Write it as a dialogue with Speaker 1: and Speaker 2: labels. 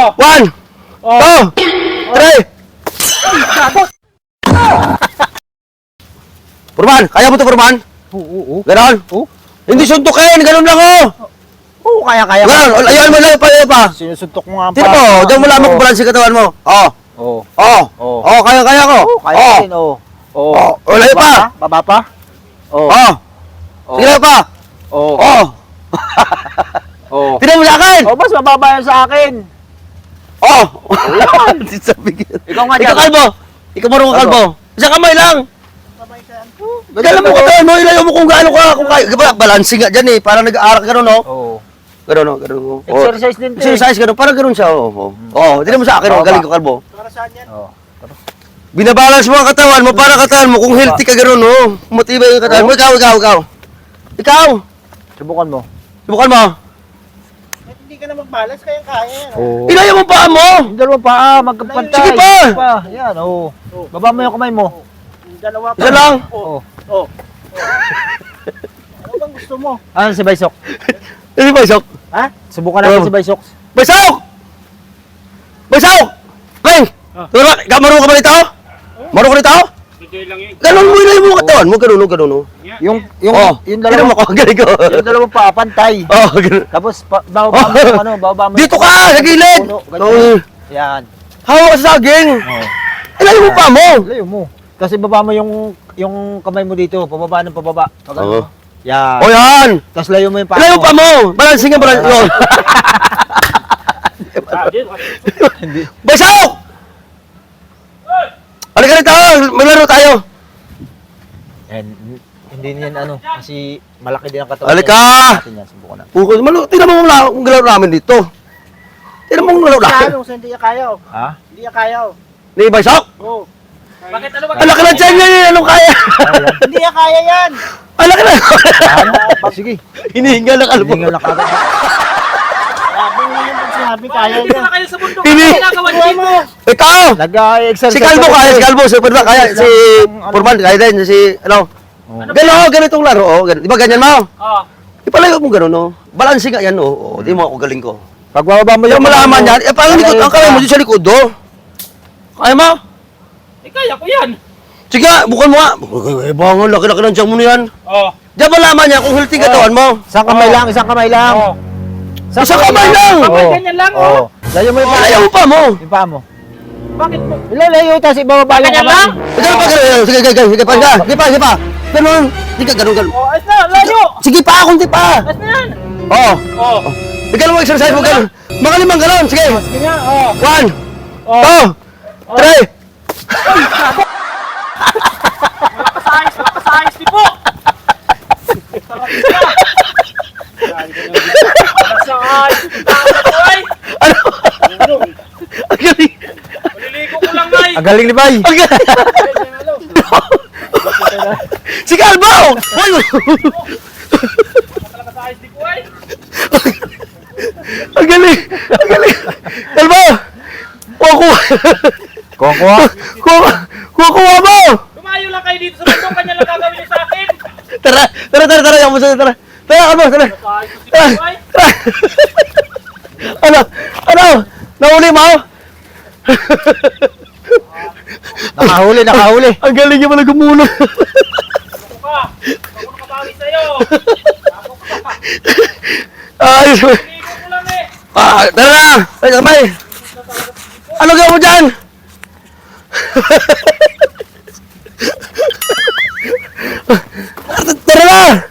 Speaker 1: 1, 2, 3. Purman, kaya mo to, Purman?
Speaker 2: Oo.
Speaker 1: Ganon?
Speaker 2: Oo.
Speaker 1: Hindi suntukin, ganon lang oh.
Speaker 2: Oo, kaya.
Speaker 1: Ganon, ayaw mo lang, ayaw pa.
Speaker 2: Sinusuntok mo nga pa.
Speaker 1: Tira mo, diyan mo lamang kung balansi katawan mo.
Speaker 2: Oo.
Speaker 1: Kaya ko.
Speaker 2: Oo, kaya din, oo. Oo.
Speaker 1: Layo pa.
Speaker 2: Baba pa? Oo.
Speaker 1: Sige, layo pa.
Speaker 2: Oo. Oo.
Speaker 1: Tira mo sa akin.
Speaker 2: Oh, mas mababa yan sa akin. Ikaw nga dyan.
Speaker 1: Ikaw kalbo. Ikaw marunong kalbo. Isang kamay lang. Dala mo katawan mo, ilayo mo kung gaano ka. Kung kaya, balansi nga dyan eh. Parang nag-aarak gano'n, no?
Speaker 2: Oo.
Speaker 1: Gano'n.
Speaker 2: Exercise din to.
Speaker 1: Exercise gano'n, parang gano'n siya. Tira mo sa akin, galing ko kalbo.
Speaker 3: Para saan yan?
Speaker 2: Oo.
Speaker 1: Binabalance mo ang katawan mo para katawan mo kung healthy ka gano'n, no? Matibay yung katawan mo. Ikaw.
Speaker 2: Subukan mo.
Speaker 1: Subukan mo.
Speaker 3: Hindi ka na mag-balance, kaya yan.
Speaker 2: Oo.
Speaker 1: Ilayo mo pa mo.
Speaker 2: Yung dalawang paa, magkapantay.
Speaker 1: Sige pa.
Speaker 2: Yan, oo. Baba mo yung kamay mo.
Speaker 3: Dalawa pa.
Speaker 1: Isa lang.
Speaker 2: Oo.
Speaker 3: Ano bang gusto mo?
Speaker 2: Ano si Baysok?
Speaker 1: Ano ba, Sok?
Speaker 2: Ha? Subukan natin si Baysok.
Speaker 1: Baysok! Hey! Ikaw marunong ka ba nito? Marunong ka nito? Ganun mo, ilayo mo ang katawan mo. Ganun.
Speaker 2: Yung
Speaker 1: Tira
Speaker 2: dalawang
Speaker 1: mo ko, galing ko.
Speaker 2: yung dalawang paa, pantay.
Speaker 1: Ganun.
Speaker 2: Tapos bababa mo yung ano, bababa mo.
Speaker 1: Dito ka, sa gilid.
Speaker 2: Puno, ganyan. Yan.
Speaker 1: Hawak ka sa saging. Ilayo mo pa mo.
Speaker 2: Layo mo. Kasi baba mo yung kamay mo dito, pababa ng pababa.
Speaker 1: Oo.
Speaker 2: Yan.
Speaker 1: Yan.
Speaker 2: Tapos layo mo yung paa.
Speaker 1: Ilayo pa mo. Balancing nga, balancing.
Speaker 2: Hindi.
Speaker 1: Baysok! Halika rito, maglaro tayo.
Speaker 2: And, hindi niyan ano, kasi malaki din ang katawan.
Speaker 1: Halika!
Speaker 2: Natin yan, subukan na.
Speaker 1: Tingnan mo ang galaw namin dito. Tingnan mo ang galaw namin.
Speaker 3: Kaya kung hindi niya kaya.
Speaker 2: Ha?
Speaker 3: Hindi niya kaya.
Speaker 1: Ni Baysok?
Speaker 3: Oo.
Speaker 4: Bakit ano ba?
Speaker 1: Ang laki ng tiyan niya, anong kaya?
Speaker 3: Hindi niya kaya yan.
Speaker 1: Ang laki na.
Speaker 2: Sige.
Speaker 1: Hinihinga ng kalbo.
Speaker 2: Hindi nga nakagad.
Speaker 3: Sabi mo yung pag sinabi kaya
Speaker 4: Dito
Speaker 3: yan.
Speaker 4: na kayo sa bundok.
Speaker 1: Hindi.
Speaker 4: Ano ginagawa niyo
Speaker 3: Kuha
Speaker 4: dito?
Speaker 3: mo.
Speaker 1: Ikaw!
Speaker 2: Nag-exercise.
Speaker 1: Si Kalbo kaya, si Kalbo, si Purman kaya, si Purman kaya din, si ano. Ganitong laro, ganun. Di ba ganyan mo?
Speaker 4: Oh.
Speaker 1: Ipalayo mo ganun, no? Balancing nga yan, no? Di mo ako galing ko.
Speaker 2: Pag bababa mo
Speaker 1: Yung malaman yan, parang likod, ang kamay mo dito sa likod, do. Kaya mo?
Speaker 4: Eh, kaya ko yan.
Speaker 1: Sige nga, bukan mo nga. Bangon, laki-laki ng tiyan mo na yan.
Speaker 4: Oh.
Speaker 1: Diyan malaman niya kung healthy katawan mo.
Speaker 2: Isang kamay lang, isang kamay lang.
Speaker 4: Oh.
Speaker 1: Isang kamay lang!
Speaker 4: Kamay ganyan lang, oh.
Speaker 2: Layo mo yung paa.
Speaker 1: Ayaw pa mo!
Speaker 2: Yung paa mo.
Speaker 4: Bakit mo?
Speaker 2: Ilalayo, tapos ibababa yung
Speaker 4: Ganyan
Speaker 2: kamay.
Speaker 4: lang?
Speaker 1: Ganun pa, ganun. Sige pa. Ganun. Sige ka, ganun.
Speaker 4: Oh, ayos na, layo.
Speaker 1: Sige pa, kunti pa.
Speaker 4: Ayos na yan.
Speaker 1: Oo.
Speaker 4: Oh.
Speaker 1: Ganun mo exercise mo, ganun. Mga limang ganun. Sige.
Speaker 4: Sige nga, oh.
Speaker 1: 1, 2, 3.
Speaker 4: Makasayos, di po. Makasayos.
Speaker 1: Ano? Ang galing.
Speaker 4: Maliligo ko lang, Nay.
Speaker 2: Ang galing ni Bay.
Speaker 1: Ang galing. Si Kalbo! Uy!
Speaker 4: Makasayos, di po, ay.
Speaker 1: Ang galing. Kalbo! Kuha mo!
Speaker 4: Lumayo lang kayo dito sa bundok. Kanya lang gagawin niyo sa akin.
Speaker 1: Tara. Yung muso, tara. Kalbo, tara.
Speaker 4: Makasayos si po, ay.
Speaker 1: Ano? Nahuli mo?
Speaker 2: Nakahuli.
Speaker 1: Ang galing niya pala gumulong.
Speaker 4: Ako ka. Ako nakabawi sa'yo. Ako ka.
Speaker 1: Ayos.
Speaker 4: Maliligo ko lang, eh.
Speaker 1: Tara na! Ay, sabay! Ano gawin mo dyan? Tara na!